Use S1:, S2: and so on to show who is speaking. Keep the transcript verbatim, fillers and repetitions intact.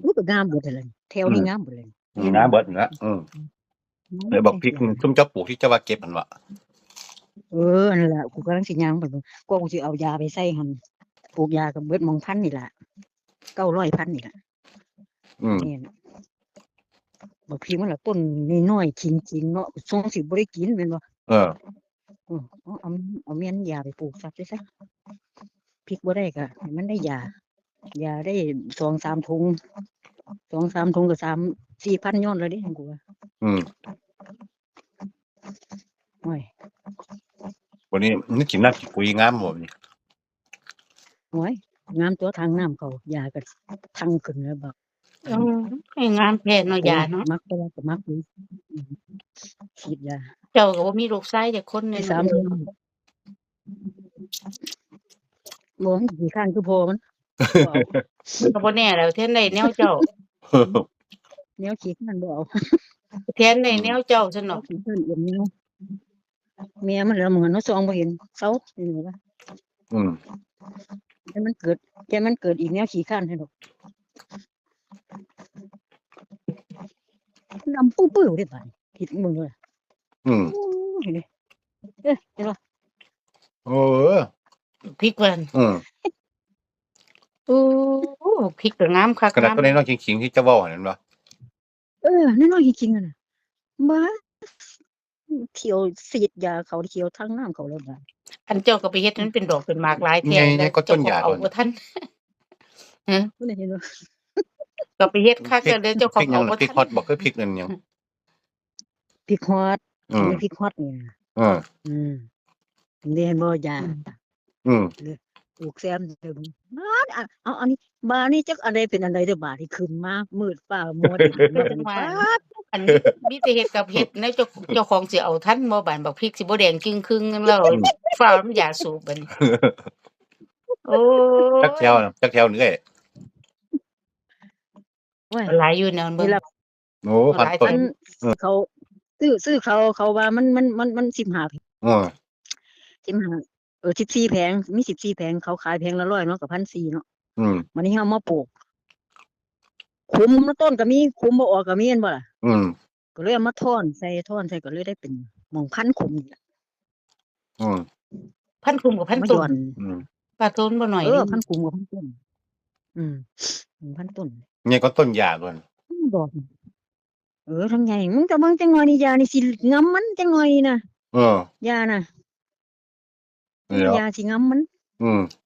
S1: อุ๊ยก็งามเบิดนั่นแหละแถวนี้งามเบิดเลย
S2: อืมน้ำเบิดนั่นล่ะอืมเลยบักพริกซุมเจ้าปลูกที่เจ้าว่าเก็บหั่นว่ะ
S1: เออนั่นล่ะกูกำลังสิย่างไปเบิ่งกว่ากูสิเอายาไปใส่หั่นปลูกยาก็เบิดหม้องพันนี่ล่ะเก้าร้อยพันนี่ล่ะ
S2: อืม
S1: แม่นบักพริกมันล่ะต้นน้อยๆขิงๆเนาะทรงสิบ่ได้กินแม่นบ่
S2: เออ
S1: เออเอาเอาเอาแม่นยาไปปลูกซะไปซะพริกบ่ได้ก็ให้มันได้ยายาได้ สองสาม ถุง สอง สาม ถุงก็ สาม สี่พัน ย้อนแล้วเดะของกูว่า
S2: อืม
S1: โอ้ย
S2: วันนี้นึกกินน้ำกินปุ๋ยงามบ่นี่
S1: โอ้ยงามตัวทางน้ำเขายาก็ทังขึ้นแล้วบัก
S3: อืมให้งามแท้เนาะ
S1: โอ้
S3: ยาย เนาะ
S1: มักแต่ว่าก็มักอยู่อืมฉีดยา
S3: เจ้าก็บ่มีลูกชายจักคน
S1: ได้
S3: นี่
S1: สา
S3: เนาะ
S1: ม ถุงบ่มันขี้คร้านคือพ่อมันบ่เอา
S3: มันก็บ่แน่แหล้วแทนได้แนวเจ้า
S1: แนวขี้คร้านบ่เอา
S3: แทนได้แนวเจ้าซั่น
S1: เอา
S3: เนาะ
S1: ขี้คร้านเอี่ยมแนวแม่มันแล้วเหมือนเนาะส่องบ่เห็นเซานี่ล่ะ
S2: อืม
S1: แต่มันเกิดแต่มันเกิดอีกแนวขี้คร้านให้ดอกดำปื้อๆเด้บาดนี้คิดมึงเด้อ
S2: อืม
S1: โอ้ยนี่เอ้อเห็นบ่
S2: เออ
S3: พริกว่าหั่น
S2: อืม
S3: โอ้พริกก็งามคัก
S2: ขนาด
S3: งาม
S2: ตัวน้อยๆขิงๆที่เจ้าเว้าหั่นแม่นบ่
S1: เออน้อยๆขิงๆอะน่ะบ้าเที่ยวฉีดยาเขาเที่ยวทางน้ำเขาแล้วบาด
S3: อันเจ้าก็ไปเฮ็ดให้มันเป็นดอกเป็นหมากหลายแท้
S2: ใหญ่
S3: แล้
S2: ใหญ่
S3: ว
S2: กว่า
S3: เจ้า
S2: ต้น
S3: ข
S2: ห
S3: อง
S2: ญ้า
S3: เอา
S2: โดน
S3: บ่ทัน ฮะ
S1: บ่ได้เห็นบ่
S3: ก็ไปเฮ็ดคัก
S2: พริก
S3: แล้วเดี๋ยวเจ้าข
S2: พ
S3: อ
S2: ริ
S3: ง
S2: กหยั
S3: เอา
S2: ง
S3: บ่
S2: น่ะพริก
S3: ทัน
S2: ฮอตบ่คือพริกนั่นหยัง
S1: พริกฮอด
S2: อืม
S1: มีพริกฮอดนี่น่ะ
S2: เออ
S1: อืมได้เห็นบ่ยา
S2: อืม
S1: ปลูกแซมเด้อมึงอาดอะเอาอันนี้บาดนี้จักอันใดเป็นอันใดเด้อบาดนี้ขึ้นมามืดฟ้ามัวดิน
S3: ก็
S1: บาด
S3: จัง
S1: นี้
S3: ว่า
S1: ป๊าด
S3: อันมีแต่เฮ็ดกับเฮ็ดแล้วเจ้าเจ้าของสิเอาทันบ่บาดบักพริกสิบ่แดงจึงครึ่งแล้ว
S2: อืม
S3: ฟ้าวน้ำยาสูบบัดนี้ โอ้
S2: จักแถวย น่ะจักแถวนึงเอ้ย
S1: โอ้ย
S3: หลายอยู่แนวเบิ่
S1: นี่
S3: ง
S1: ล่ะ
S2: โอ้
S3: ห
S2: พัน
S3: ลาย
S2: ต้
S3: แถ
S2: น
S1: อัน
S2: อืม
S1: เขาซื้อซื้อเขาเขาว่ามันมันมันมันสิบห้า
S2: เออ
S1: สิบห้าเออสิบสี่ แผงมีสิบสี่ แผงเขาขายแผงละร้อยเนาะก็ หนึ่งพันสี่ร้อย เนาะ
S2: อืม
S1: บัดนี้เฮามาปลูกคุมต้นก็มีคุมบ่ออกก็มีแม่นบ่ล่ะ
S2: อืม
S1: ก็เลยเอามาท่อนใส่ท่อนใส่ก็เลยได้เป็นหม่องพันคุมนี่ล่ะ
S2: อืม
S3: พันคุมกับพัน
S1: มา
S3: ต้
S1: ย้อน น
S2: อืม
S3: ปลาต้นบ่น้อย
S1: เอ
S3: เด
S1: อ
S3: ะ
S1: พันคุมกับพันต้น อืม หนึ่งพัน ต้น
S2: ใหญ่กว่าต้นหญ้าโดน
S1: อือดอก เออทั้งใหญ่มึงแต่เบิ่งจักหน่อยนี่ยานี่สิงำมันจักหน่อยนี่น่ะ
S2: เออ
S1: ยาน่ะ
S2: นั่นแหล้ว
S1: ยาสิงำมัน
S2: อืม